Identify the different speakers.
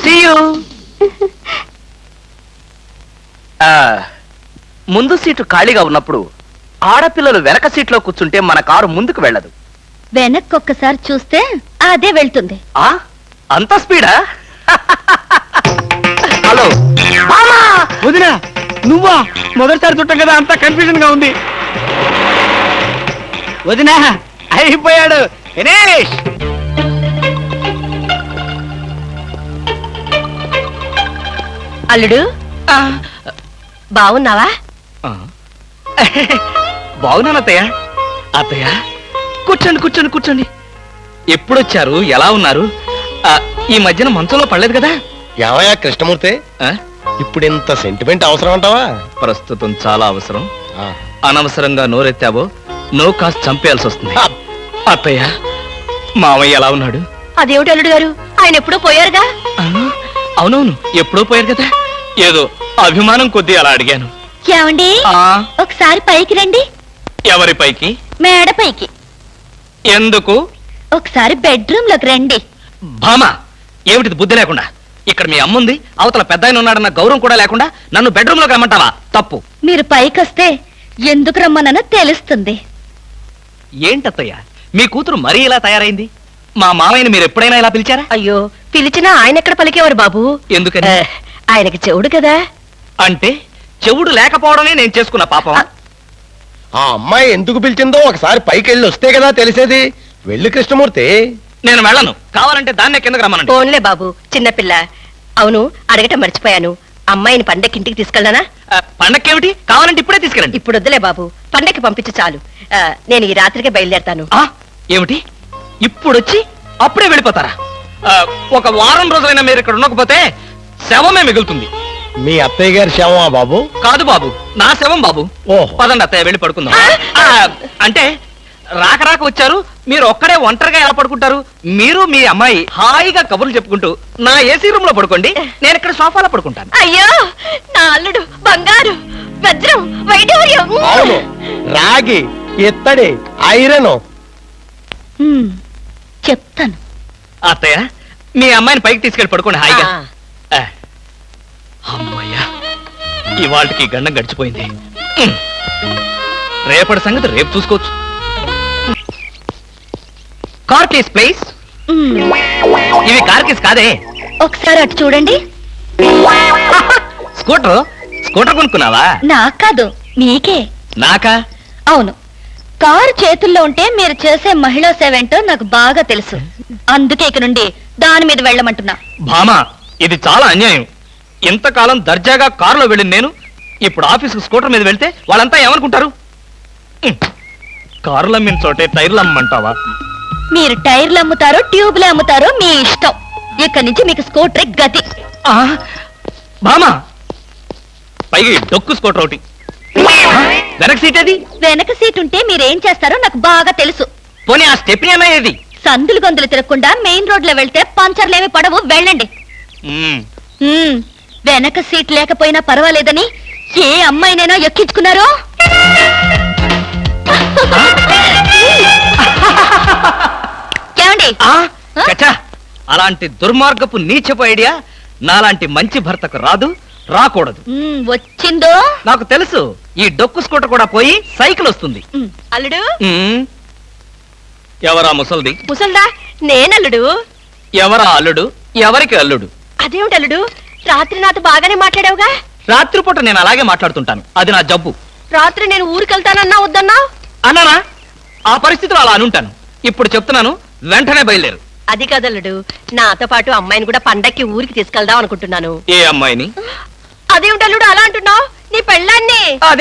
Speaker 1: See you. ముందు seat ఖాళీగా ఉన్నప్పుడు ఆడపిల్లలు వెనక సీట్లో కూర్చుంటే మన కారు ముందుకు వెళ్ళదు.
Speaker 2: వెనక్కి ఒక్కసారి చూస్తే అదే వెళ్తుంది.
Speaker 1: అంత స్పీడా? హలో
Speaker 3: వదినా, నువ్వా? మొదటిసారి చుట్టం కదా, అంతా కన్ఫ్యూజన్ గా ఉంది. వదినా అయిపోయాడు దినేష్.
Speaker 2: అల్లుడు బాగున్నావా?
Speaker 1: బాగున్నాను అత్తయ్య. అత్తయ్య కూర్చోండి కూర్చోండి కూర్చోండి. ఎప్పుడొచ్చారు? ఎలా ఉన్నారు? ఈ మధ్యన మంచంలో పడలేదు కదా?
Speaker 4: ఏమయ్యా కృష్ణమూర్తి, ఇప్పుడు ఇంత సెంటిమెంట్ అవసరం అంటావా?
Speaker 1: ప్రస్తుతం చాలా అవసరం. అనవసరంగా నోరెత్తావో నో కాస్త చంపేయాల్సి వస్తుంది. అత్తయ్య మావయ్య ఎలా ఉన్నాడు?
Speaker 2: అదేమిటి అల్లుడు గారు, ఆయన ఎప్పుడో పోయారుగా.
Speaker 1: అవునవును, ఎప్పుడో పోయారు కదా. ఏదో అభిమానం కొద్దీ అలా అడిగాను.
Speaker 2: ఏమండి, ఒకసారి పైకి రండి.
Speaker 1: ఎవరి పైకి?
Speaker 2: మేడ పైకి.
Speaker 1: ఎందుకు?
Speaker 2: ఒకసారి బెడ్రూమ్ లోకి రండి.
Speaker 1: భామా, ఏమిటిది బుద్ధి లేకుండా? ఇక్కడ మీ అమ్ముంది, అవతల పెద్ద ఆయన ఉన్నాడన్న గౌరవం కూడా లేకుండా నన్ను బెడ్రూమ్ లోకి రమ్మంటావా? తప్పు.
Speaker 2: మీరు పైకి వస్తే ఎందుకు రమ్మనో తెలుస్తుంది.
Speaker 1: ఏంటత్తయ్య, మీ కూతురు మరీ ఇలా తయారైంది? మా మామయ్యని మీరు ఎప్పుడైనా ఇలా పిలిచారా?
Speaker 2: అయ్యో, పిలిచినా ఆయన ఎక్కడ పలికేవారు బాబు?
Speaker 1: ఎందుకని?
Speaker 2: ఆయనకి చెవుడు కదా.
Speaker 1: అంటే చెవుడు లేకపోవడమే నేను చేసుకున్న పాపం.
Speaker 4: ఆ అమ్మాయి ఎందుకు పిలిచిందో ఒకసారి పైకి వెళ్ళి వస్తే కదా తెలిసేది. వెళ్ళి కృష్ణమూర్తి.
Speaker 1: నేను వెళ్ళను. కావాలంటే దాన్నే కిందకి రమ్మనండి.
Speaker 2: ఫోన్లే బాబు, చిన్నపిల్ల. అవును, అడగటం మర్చిపోయాను. అమ్మాయిని పండక్కి ఇంటికి తీసుకెళ్ళనా?
Speaker 1: పండక్కేమిటి? కావాలంటే ఇప్పుడే తీసుకెళ్ళండి.
Speaker 2: ఇప్పుడు వద్దులే బాబు, పండక్కి పంపించు చాలు. నేను ఈ రాత్రికే బయలుదేరతాను.
Speaker 1: ఏమిటి ఇప్పుడొచ్చి అప్పుడే వెళ్ళిపోతారా? ఒక వారం రోజులైనా మీరు ఇక్కడ ఉండకపోతే శవమే మిగులుతుంది.
Speaker 4: మీ అత్తయ్య గారి శవమా బాబు?
Speaker 1: కాదు బాబు, నా శవం బాబు. పదండి అత్తయ్య, వెళ్ళి పడుకుందాం. అంటే రాక రాక వచ్చారు, మీరు ఒక్కడే ఒంటరిగా ఎలా పడుకుంటారు? మీరు మీ అమ్మాయి హాయిగా కబుర్లు చెప్పుకుంటూ నా ఏసీ రూమ్ లో పడుకోండి, నేను ఇక్కడ సోఫాలో పడుకుంటాను.
Speaker 2: అయ్యో, నా అల్లుడు బంగారు, వజ్రం, వైఢూర్యం.
Speaker 4: అవును, రాగి, ఇత్తడి, ఐరన్.
Speaker 2: చెప్తాను.
Speaker 1: అత్తయ్య, మీ అమ్మాయిని పైకి తీసుకెళ్ళి పడుకోండి హాయిగా. అమ్మయ్యా, ఇవాళకి గండం గడిచిపోయింది. రేపటి సంగతి రేపు చూసుకోవచ్చు. Car keys please. ఇవి కార్ కేస్ కాదే.
Speaker 2: ఒకసారి అటు చూడండి.
Speaker 1: స్కూటర్ స్కూటర్ కొనుక్కున్నావా?
Speaker 2: నాకు కాదు, మీకే.
Speaker 1: నాకా?
Speaker 2: అవును, కారు చేతుల్లో ఉంటే మీరు చేసే మహిళా సేవ ఏంటో నాకు బాగా తెలుసు. అందుకే ఇక నుండి దాని మీద వెళ్ళమంటున్నా.
Speaker 1: భామా, ఇది చాలా అన్యాయం. ఇంతకాలం దర్జాగా కారులో వెళ్ళింది నేను, ఇప్పుడు ఆఫీసుకు స్కూటర్ మీద వెళ్తే వాళ్ళంతా ఏమనుకుంటారు? కారులు అమ్మిన చోటే టైర్లు అమ్మంటావా?
Speaker 2: మీరు టైర్లు అమ్ముతారో ట్యూబ్లు అమ్ముతారో మీ ఇష్టం. ఇక్కడి నుంచి మీకు స్కూటర్ గతి.
Speaker 1: భామా, పైగా డొక్కు స్కూటర్ ఒకటి. వెనక సీట్ ఏది?
Speaker 2: వెనక సీట్ ఉంటే మీరేం చేస్తారో నాకు బాగా తెలుసు.
Speaker 1: పోనీ ఆ స్టెప్నీ ఏది?
Speaker 2: సందులు గొంతులు తిరగకుండా మెయిన్ రోడ్ లో వెళ్తే పంచర్లేమి పడవు, వెళ్ళండి. వెనక సీట్ లేకపోయినా పర్వాలేదని ఏ అమ్మాయినైనా ఎక్కించుకున్నారో? ఏమండి?
Speaker 1: అలాంటి దుర్మార్గపు నీచపు ఐడియా నాలాంటి మంచి భర్తకు రాదు, రాకూడదు.
Speaker 2: వచ్చిందో
Speaker 1: నాకు తెలుసు. ఈ డొక్కు స్కూటర్ కూడా పోయి సైకిల్ వస్తుంది.
Speaker 2: అల్లుడు,
Speaker 1: ఎవరా ముసల్ది?
Speaker 2: ముసల్దా? నేనల్లుడు.
Speaker 1: ఎవరా అల్లుడు? ఎవరికి అల్లుడు?
Speaker 2: అదేమిటి అల్లుడు, రాత్రి నాతో బాగానే మాట్లాడావుగా?
Speaker 1: రాత్రిపూట నేను అలాగే మాట్లాడుతుంటాను, అది నా జబ్బు.
Speaker 2: రాత్రి నేను ఊరికెళ్తానన్నా వద్దన్నా?
Speaker 1: అన్నానా? ఆ పరిస్థితిలో అలా అనుంటాను. ఇప్పుడు చెప్తున్నాను, వెంటనే బయలుదేరు.
Speaker 2: అది కదల్లుడు, నాతో పాటు అమ్మాయిని కూడా పండక్కి ఊరికి తీసుకెళ్దాం అనుకుంటున్నాను.
Speaker 1: ఏ అమ్మాయిని?
Speaker 2: అదేమిటల్లుడు అలా అంటున్నావు? నీ పెళ్ళాన్ని.